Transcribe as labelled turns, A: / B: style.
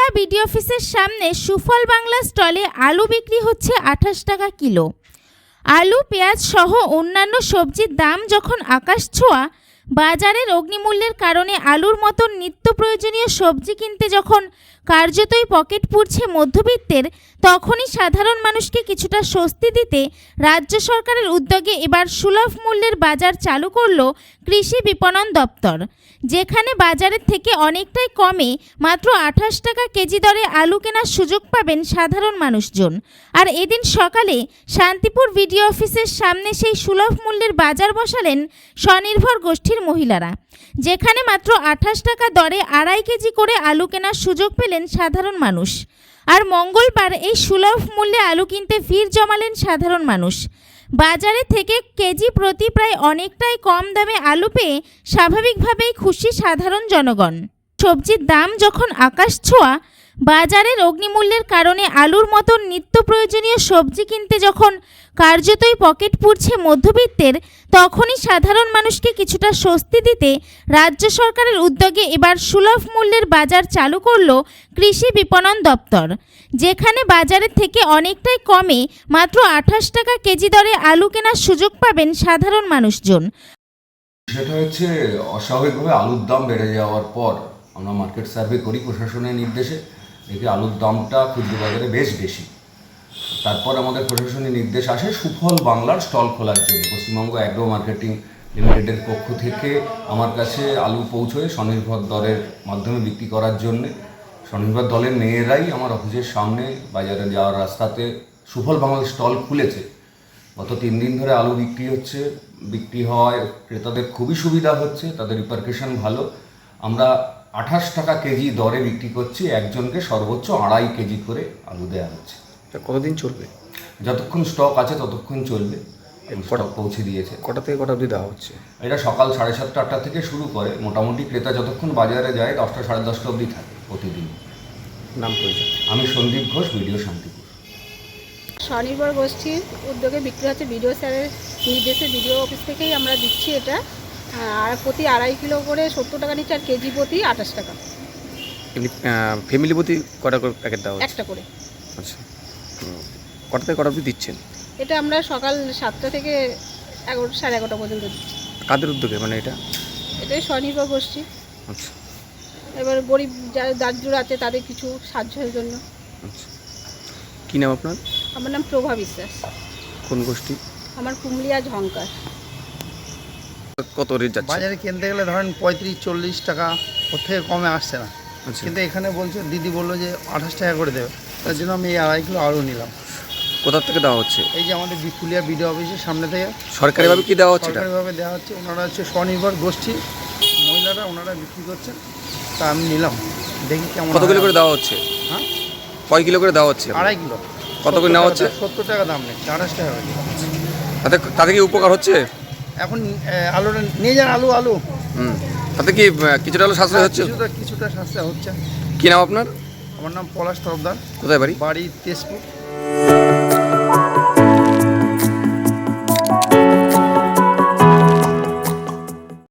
A: BD অফিসের সামনে সুফল বাংলা স্টলে আলু বিক্রি হচ্ছে 28 টাকা কিলো। আলু, পেঁয়াজ সহ অন্যান্য সবজির দাম যখন আকাশ ছোঁয়া, বাজারের অগ্নিমূল্যের কারণে আলুর মতন নিত্য প্রয়োজনীয় সবজি কিনতে যখন কার্যতই পকেট পুড়ছে মধ্যবিত্তের, তখনই সাধারণ মানুষকে কিছুটা স্বস্তি দিতে রাজ্য সরকারের উদ্যোগে এবার সুলভ মূল্যের বাজার চালু করল কৃষি বিপণন দপ্তর, যেখানে বাজারের থেকে অনেকটাই কমে মাত্র 28 টাকা কেজি দরে আলু কেনার সুযোগ পাবেন সাধারণ মানুষজন। আর এদিন সকালে শান্তিপুর বিডিও অফিসের সামনে সেই সুলভ মূল্যের বাজার বসালেন স্বনির্ভর গোষ্ঠীর মহিলারা, যেখানে মাত্র 28 টাকা দরে 2.5 কেজি করে আলু কেনার সুযোগ পেলেন সাধারণ মানুষ। আর মঙ্গলবার এই সুলভ মূল্যে আলু কিনতে ভিড় জমালেন সাধারণ মানুষ। বাজারে থেকে কেজি প্রতি প্রায় অনেকটাই কম দামে আলু পেয়ে স্বাভাবিকভাবেই খুশি সাধারণ জনগণ। সবজির দাম যখন আকাশ ছোঁয়া, বাজারের অগ্নিমূল্যের কারণে আলুর মতন নিত্য প্রয়োজনীয় সবজি কিনতে যখন কার্যতই পকেট পুড়ছে মধ্যবিত্তের, তখনই সাধারণ মানুষকে কিছুটা স্বস্তি দিতে রাজ্য সরকারের উদ্যোগে এবার সুলভ মূল্যের বাজার চালু করল কৃষি বিপণন দপ্তর, যেখানে বাজারের থেকে অনেকটাই কমে মাত্র 28 টাকা কেজি দরে আলু কেনার সুযোগ পাবেন সাধারণ মানুষজন।
B: সেটা হচ্ছে অস্বাভাবিকভাবে আলুর দাম বেড়ে যাওয়ার পর আমরা মার্কেট সার্ভে করি প্রশাসনের নির্দেশে, দেখি আলুর দামটা খুচরো বাজারে বেশ বেশি। তারপর আমাদের প্রশাসনের নির্দেশ আসে সুফল বাংলার স্টল খোলার জন্য। পশ্চিমবঙ্গ অ্যাগ্রো মার্কেটিং লিমিটেডের পক্ষ থেকে আমার কাছে আলু পৌঁছয় স্বনির্ভর দলের মাধ্যমে বিক্রি করার জন্যে। স্বনির্ভর দলের মেয়েরাই আমার অফিসের সামনে বাজারে যাওয়ার রাস্তাতে সুফল বাংলার স্টল খুলেছে। গত 3 দিন ধরে আলু বিক্রি হচ্ছে, বিক্রি হওয়ায় ক্রেতাদের খুবই সুবিধা হচ্ছে, তাদের রিপারকেশন ভালো। আমরা 28 টাকা কেজি দরে বিক্রি করছি, একজনকে সর্বোচ্চ 2.5 কেজি করে আলু দেওয়া হচ্ছে।
C: কতদিন চলবে?
B: যতক্ষণ স্টক আছে ততক্ষণ চলবে। স্টক পৌঁছে দিয়েছে।
C: কটা থেকে কটা অবধি দেওয়া হচ্ছে?
B: এটা সকাল 7:30 8টা থেকে শুরু করে, মোটামুটি ক্রেতা যতক্ষণ বাজারে যায় 10টা 10:30 অবধি থাকে প্রতিদিন।
C: নাম পরিচয়?
B: আমি সন্দীপ ঘোষ, ভিডিও শান্তিপুর।
D: স্বনির্ভর গোষ্ঠীর উদ্যোগে বিক্রি হচ্ছে, বিডিও স্যারের নির্দেশে বিডিও অফিস থেকেই আমরা দিচ্ছি এটা। আর প্রতি 2.5 কিলো করে 70 টাকা নিচ্ছে, আর কেজি প্রতি 28 টাকা।
C: এমনি ফ্যামিলি প্রতি কটা করে প্যাকেট দেওয়া হচ্ছে?
D: একটা করে।
C: আচ্ছা, কটা থেকে কটা অবধি দিচ্ছেন?
D: এটা আমরা সকাল 7টা থেকে 11:30 পর্যন্ত দিচ্ছি।
C: কাদের উদ্যোগে মানে এটা?
D: এটাই স্বনির্ভর গোষ্ঠী।
C: আচ্ছা,
D: এবার গরিব যারা দারিদ্র আছে তাদের কিছু সাহায্যের জন্য।
C: আচ্ছা, কী নাম আপনার?
D: আমার নাম প্রভা বিশ্বাস।
C: কোন গোষ্ঠী?
D: আমার কুমলিয়া ঝঙ্কার।
C: কত রেট যাচ্ছে?
E: বাজারে কিনতে গেলে ধরেন 35-40 টাকা, ওর থেকে কমে আসছে না।
C: আচ্ছা,
E: কিন্তু এখানে বলছে, দিদি বললো যে 28 টাকা করে দেবে, তার জন্য আমি এই 2.5 কিলো আলু নিলাম।
C: কোথা থেকে দেওয়া হচ্ছে?
E: এই যে আমাদের বিপুলিয়া বিডিও অফিসের সামনে থেকে
C: সরকারিভাবে কি দেওয়া হচ্ছে?
E: সরকারিভাবে দেওয়া হচ্ছে। ওনারা হচ্ছে স্বনির্ভর গোষ্ঠী মহিলারা, ওনারা বিক্রি করছেন, তা আমি নিলাম, দেখি কেমন।
C: কত কিলো করে দেওয়া হচ্ছে?
E: হ্যাঁ,
C: কয় কিলো করে দেওয়া হচ্ছে?
E: 2.5 কিলো।
C: কত করে নেওয়া হচ্ছে?
E: 70 টাকা দাম নেই, 28 টাকা করে।
C: তাতে কি উপকার হচ্ছে?
E: এখন আলুটা নিয়ে যান, আলু
C: তাতে কি কিছুটা হলো সাশ্রয় হচ্ছে?
E: কিছুটা সাশ্রয় হচ্ছে।
C: কী নাম আপনার?
E: আমার নাম পলাশ তরফদার।
C: কোথায় বাড়ি?
E: বাড়ি তেজপুর।